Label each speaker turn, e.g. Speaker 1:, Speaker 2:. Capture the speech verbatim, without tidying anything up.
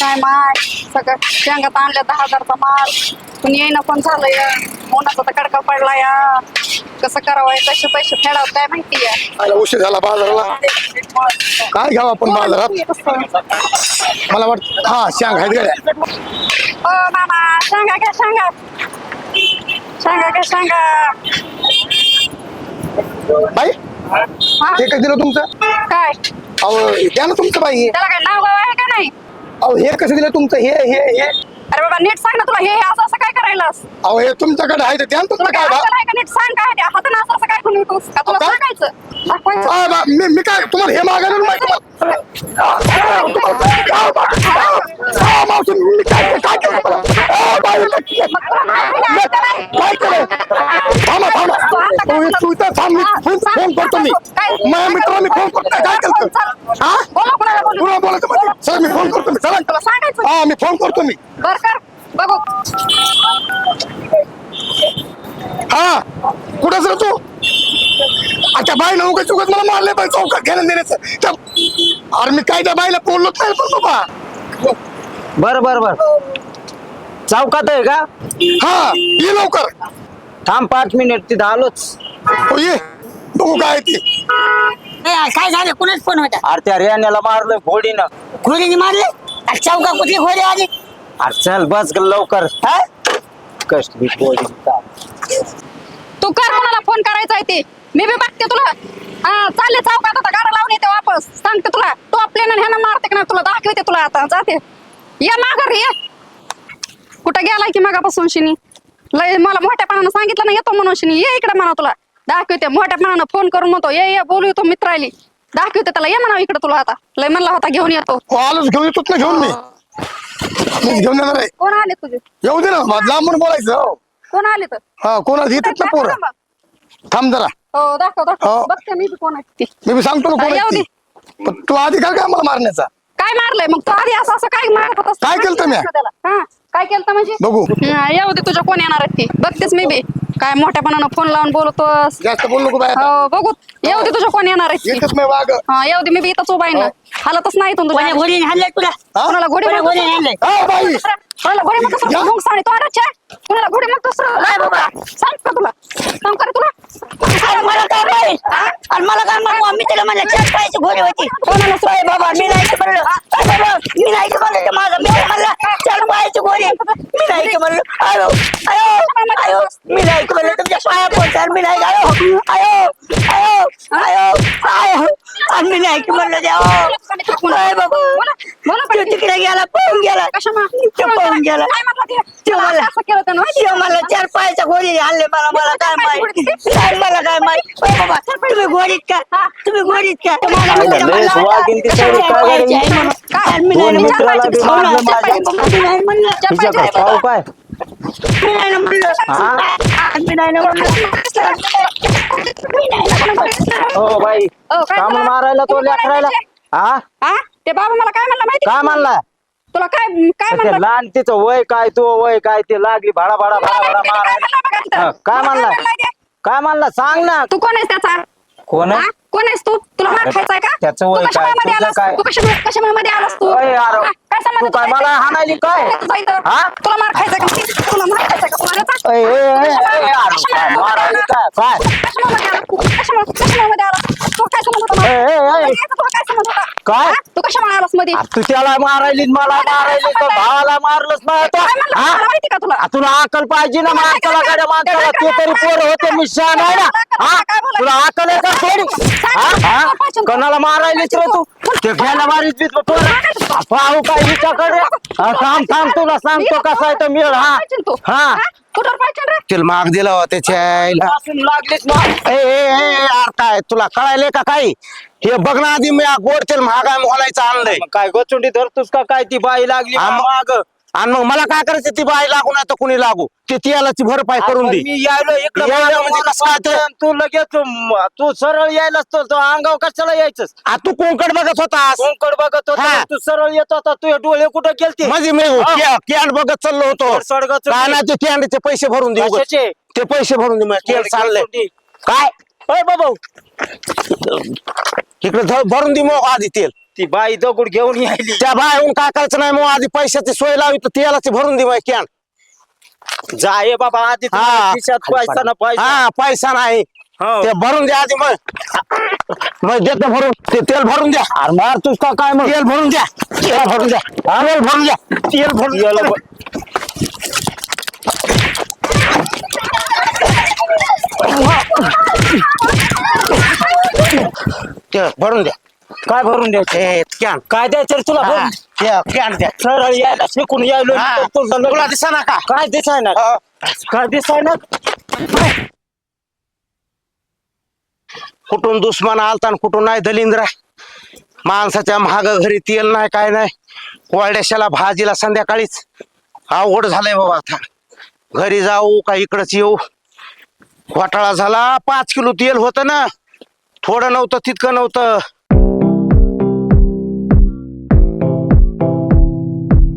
Speaker 1: काय माय सगळं शेंगात आणल्या दहा हजारचा माल पण येईना पण झालंय उन्हाचा तर कडका पडला या कसं करावं कसे पैसे फेडावं काय माहिती आहे
Speaker 2: आला उशीर झाला बाजाराला काय घ्यावं आपण बाजारात मला वाटतं हा शांग आहेत गड्या
Speaker 1: ओ मामा सांगा काय सांगा सांगा काय सांगा
Speaker 2: बाई
Speaker 1: हा?
Speaker 2: हे काय दिलं तुमचं
Speaker 1: काय
Speaker 2: अहो द्या ना तुमचं बाई
Speaker 1: त्याला काय नाव गाव आहे का नाही
Speaker 2: अहो हे कसं दिलं तुमचं हे हे हे
Speaker 1: अरे बाबा नीट सांग ना तुला हे हे असं असं काय करायलास
Speaker 2: अहो हे तुमच्याकडे आहे ते द्या ना
Speaker 1: तुला
Speaker 2: तुमचं
Speaker 1: काय
Speaker 2: काय
Speaker 1: अक्कल आहे का नीट सांग काय ते हातानं असं असं काय करून येतोस का तुला
Speaker 2: काय?
Speaker 1: सांगायचं दाखवायचं
Speaker 2: हा, बा- मी मी काय तुम्हाला हे मागायला नाही तुम्हाला हा, मावशी, मी काय काय केलं तुम्हाला? अहो, बाई, नक्की. काय केलं थांबा थांबा तुम्ही तू इथं थांब मी फोन फोन करतो मी माझ्या मित्राला मी फोन करतो काय केलं हा
Speaker 1: बोला कोणाला बोलू
Speaker 2: पुन्हा बोलायचं म्हणजे सर मी फोन करतो मी चला
Speaker 1: तुला सांगायचं
Speaker 2: हा मी फोन करतो मी
Speaker 1: बर कर बघू
Speaker 2: हा कुठं सर तू अच्छा बाई ना उगाच उगाच मला मारले पाहिजे चौकात घेणं देण्याचं त्या- अरे मी काय त्या बाईला बोललोच नाही पण बाबा
Speaker 3: बर बर बर चौकात आहे का
Speaker 2: हा ये लवकर
Speaker 3: थांब पाच मिनिट तिथं आलोच
Speaker 2: हो ये बघू काय ती
Speaker 4: ए, काय झालं कुणाच फोन होता
Speaker 3: अरे त्या रेण्याला मारलोय घोडीनं
Speaker 4: घोडीने मारले अरे चौका कुठली घोडी आली
Speaker 3: अरे चल बस ग लवकर
Speaker 4: हा?
Speaker 3: कष्ट बी घोडी
Speaker 1: तू कर कोणाला फोन करायचा आहे ते मी बी बघते तुला हा चालले चौकात आता गाडा लावून येते वापस सांगते तुला तू आपल्याला ह्यानं मारते का नाही तुला दाखवते तुला आता जाते ये माघार ये कुठं गेलाय की मागापासून शिनी लय मला मोठ्यापणानं सांगितलं ना येतो म्हणून शिनी ये इकडे म्हणा तुला दाखवते मोठ्यापणानं फोन करून म्हणतो ये ये बोलू येतो मित्राली दाखवते त्याला ये म्हणा इकडे तुला आता लय म्हणला होता घेऊन येतो
Speaker 2: हो आलोच घेऊन येतोच ना घेऊन मी मीच घेऊन येणार आहे
Speaker 1: कोण आले तुझे
Speaker 2: येऊ दे ना माझं लांबून बोलायचं हो.
Speaker 1: कोण आले तर
Speaker 2: हा कोणाला येतात ना पोरं थांब जरा
Speaker 1: हो दाखव दाखव
Speaker 2: हो.
Speaker 1: बघते मी बी कोण आहे ती
Speaker 2: मी बी सांगतो ना कोण
Speaker 1: येऊ
Speaker 2: आहे
Speaker 1: दे.
Speaker 2: ती. पण तू अधिकार काय मला मारण्याचा
Speaker 1: काय मारलंय मग तू आधी असं असं काय मारत होतास
Speaker 2: काय केलतं म्या?
Speaker 1: हा काय केलं म्हणजे
Speaker 2: बघू
Speaker 1: हा, येऊ दे तुझ्या कोण येणार आहेत ती बघतेस मी बी काय मोठ्यापणानं फोन लावून बोलतोस
Speaker 2: जास्त बोल नको बाय
Speaker 1: हो बघू येऊ दे तुझ्या कोण येणार आहेत ती
Speaker 2: येतच नाही वाग
Speaker 1: हा येऊ दे मी बी इथंच उभा आहे ना हालतच नाही इथून तुझ्या
Speaker 4: कोण्या घोडीने हाणलंय तुला
Speaker 2: हा?
Speaker 1: कोणाला घोडी
Speaker 4: कोण्या
Speaker 1: म्हणतोस?
Speaker 4: घोडीने हाणलंय
Speaker 2: हा बाई
Speaker 1: कोणाला घोडी म्हणतोस?
Speaker 2: या.
Speaker 1: मुंग साडी तो आडाच्या कोणाला घोडी म्हणतोस रे? नाही बाबा सांग का तुला सांग का रे तुला
Speaker 4: अरे मला काय माहित अरे मला काय माहित मी त्याला म्हणलं चार पायाची घोडी होती कोणाला सोय बाबा मी नाही की म्हणलं अरे बाबा मी नाही की म्हणलं ते माझा मी म्हणलं चार पायाची घोडी मी नाही की म्हणलं आयो आयो आयो मी नाही की म्हणलं तुमच्या पाया पोचार मी नाही आयो आयो आयो आयो आयो आणि मी नाही की म्हणलं देव अरे बाबा तो तिकडे गेला पळून गेला
Speaker 1: कशामा
Speaker 4: तो पळून गेला
Speaker 1: काय म्हणला ते?
Speaker 4: तो मला
Speaker 1: असं केलं त्यानं माहिती
Speaker 4: तो मला चार पायाच्या घोडी आणले मला मला काय माहिती काय मला काय माहिती ओ बाबा तुम्ही घोडीत का तुम्ही घोडीत का तुम्हाला मी
Speaker 3: लय
Speaker 4: म्हणलं,
Speaker 3: स्वागीन ती सगळी
Speaker 4: चार
Speaker 3: काय
Speaker 4: पायाची आहे
Speaker 3: गं?
Speaker 4: म्हणून.
Speaker 1: काय?
Speaker 4: मी
Speaker 3: दोन
Speaker 4: नाही
Speaker 3: मित्राला बी
Speaker 4: म्हणलं,
Speaker 3: मारलं
Speaker 4: चार
Speaker 3: माझ्या.
Speaker 4: पायाची मी नाही म्हणलं, चार
Speaker 3: तुझ्या
Speaker 4: पायाची
Speaker 3: का
Speaker 4: आहे
Speaker 3: ठाऊ
Speaker 4: बाबा.
Speaker 3: काय
Speaker 4: मी नाही म्हणलं.
Speaker 3: हा?
Speaker 4: मी नाही म्हणलं. मी नाही म्हणलं.
Speaker 3: हो बाई
Speaker 1: हो, काय
Speaker 3: का म्हणून
Speaker 1: झालं?
Speaker 3: मारायला तो
Speaker 1: तुम्ही
Speaker 3: लेकरायला
Speaker 1: बोलायचे?
Speaker 3: हा
Speaker 1: हा ते बाबा मला काय म्हणला माहिती
Speaker 3: काय
Speaker 1: का?
Speaker 3: म्हणला
Speaker 1: तुला काय काय
Speaker 3: ते
Speaker 1: म्हणलं
Speaker 3: लहान तिचं वय काय तू वय काय ते लागली भाडा भाडा
Speaker 1: मला
Speaker 3: भाडा भाडा
Speaker 1: माहिती नाही, काय म्हणला बघा
Speaker 3: मारायला
Speaker 1: तिथं.
Speaker 3: हा, काय
Speaker 1: मला
Speaker 3: म्हणला
Speaker 1: म्हणला ते?
Speaker 3: काय म्हणला सांग ना
Speaker 1: तू कोण आहेस त्याचा
Speaker 3: कोण आहे
Speaker 1: हा? कोण आहेस तू तुला मार
Speaker 3: अरे,
Speaker 1: खायचाय का
Speaker 3: त्याचं
Speaker 1: तू
Speaker 3: वय
Speaker 1: कशा
Speaker 3: काय?
Speaker 1: वयामध्ये
Speaker 3: तुझं
Speaker 1: आलास?
Speaker 3: काय?
Speaker 1: तू कशा कशा वयामध्ये आलास तू
Speaker 3: अय यार,
Speaker 1: हा? काय संबंध
Speaker 3: तू काय
Speaker 1: तुझा
Speaker 3: मला
Speaker 1: इथं?
Speaker 3: हाणायली काय
Speaker 1: तुझा इथं?
Speaker 3: हा?
Speaker 1: तुला मार खायचाय का तुला मार खायचाय का तुला याचा?
Speaker 3: अय, अय, अय,
Speaker 1: कशा
Speaker 3: अय,
Speaker 1: वयामध्ये-
Speaker 3: यार,
Speaker 1: कशा
Speaker 3: काय
Speaker 1: वयामध्ये
Speaker 3: मारायली
Speaker 1: आला?
Speaker 3: काय काय
Speaker 1: कशा वयामध्ये आला तू? कशा वया- कशा वयामध्ये आला? तू काय संबंध होता
Speaker 3: अय, अय,
Speaker 1: मला?
Speaker 3: अय.
Speaker 1: याचा तुला काय संबंध होता?
Speaker 3: काय?
Speaker 1: हा? तू कशा वयाला आलास मध्ये
Speaker 3: आ, तू त्याला मारायली मला मारायली तर भावाला मारलंच नाही तो
Speaker 1: काय म्हणलं?
Speaker 3: हा?
Speaker 1: मला माहिती का तुला
Speaker 3: आ, तुला अकल पाहिजे ना
Speaker 1: तुला
Speaker 3: माणसाला
Speaker 1: काय
Speaker 3: गाड्या माणसाला
Speaker 1: काय
Speaker 3: ते तरी
Speaker 1: काय
Speaker 3: पोर होते मी शहाण आहे ना हा
Speaker 1: काय बोलायचं?
Speaker 3: तुला अकल आहे का थोडी हा हा कोणाला मारायलीच रे तू ते घ्यायला मारीत बी तू पाहू काय हिच्याकडे हा, थांब थांब तुला सांगतो कसा आहे तो मेळ हा हा
Speaker 1: कुठं पाहिजे रे
Speaker 2: तिला माग दिला हो त्याच्या आईला.
Speaker 3: पासून लागलीच ना
Speaker 2: ए ए ए यार काय तुला कळायले का काही हे बघ ना आधी मी गोड तेल महागाय मोलायचं आणलंय
Speaker 3: मग काय गोचुंडी धरतोस का काय ती बाई लागली
Speaker 2: हा, मग-
Speaker 3: माग
Speaker 2: आणि मग मला काय करायचं ती बाई लागू नाही तर कुणी लागू ते तियालाची भरपाई करून दे
Speaker 3: मी यायलो इकडे
Speaker 2: यायला म्हणजे कसं काय ते?
Speaker 3: तू लगेच म- तू सरळ यायलाच तो तो अंगाव कशाला यायचंस
Speaker 2: आ, तू कोंकड बघत होतास
Speaker 3: कोंकड बघत होता
Speaker 2: हा.
Speaker 3: तू सरळ येत होता तुझे डोळे कुठे गेलते
Speaker 2: म्हणजे मी
Speaker 3: हा.
Speaker 2: कॅन्ड बघत चाललो होतो
Speaker 3: सडगत
Speaker 2: काय नाही ते कॅन्डचे पैसे भरून दे उगाच.
Speaker 3: कशाचे?
Speaker 2: ते पैसे भरून दे कॅन्ड चाललंय काय
Speaker 3: अय बाबा
Speaker 2: इकडे धर- भरून दे मग आधी तेल
Speaker 3: ती बाई दगड घेऊन यायली.
Speaker 2: त्या बाहेरून काय करायचं नाही मग आधी पैशाची सोय लावी तर तेलाची भरून दे कॅन.
Speaker 3: जाय बाबा आधी
Speaker 2: हा.
Speaker 3: तुम्हाला खिशात पैसा ना पैसा.
Speaker 2: हा पैसा नाही
Speaker 3: हो.
Speaker 2: ते भरून द्या आधी मग मग देतो भरून ते तेल भरून द्या.
Speaker 3: अरे मार तूच का काय मग
Speaker 2: तेल भरून द्या तेल भरून द्या तेल भरून द्या तेल भरून
Speaker 3: तेल
Speaker 2: द्या.
Speaker 3: भ-
Speaker 2: तेल भरून द्या.
Speaker 3: काय भरून द्यायचं
Speaker 2: ए कॅन
Speaker 3: काय द्यायचं रे तुला
Speaker 2: हा,
Speaker 3: भरून?
Speaker 2: ते कॅन द्या.
Speaker 3: सरळ यायला शिकून यायलो
Speaker 2: हा.
Speaker 3: तर तुझं लग्न-
Speaker 2: तुला दिसा ना का
Speaker 3: काय दिसाय ना
Speaker 2: हो.
Speaker 3: काय दिसाय ना
Speaker 2: कुठून दुश्मन आलता आणि कुठून नाही दलिंद्रा माणसाच्या महाग घरी तेल नाही काय नाही कोरड्याशाला भाजीला संध्याकाळीच अवघड झालंय बाबा आता घरी जाऊ का इकडंच येऊ घोटाळा झाला पाच किलो तेल होतं ना थोडं नव्हतं तितकं नव्हतं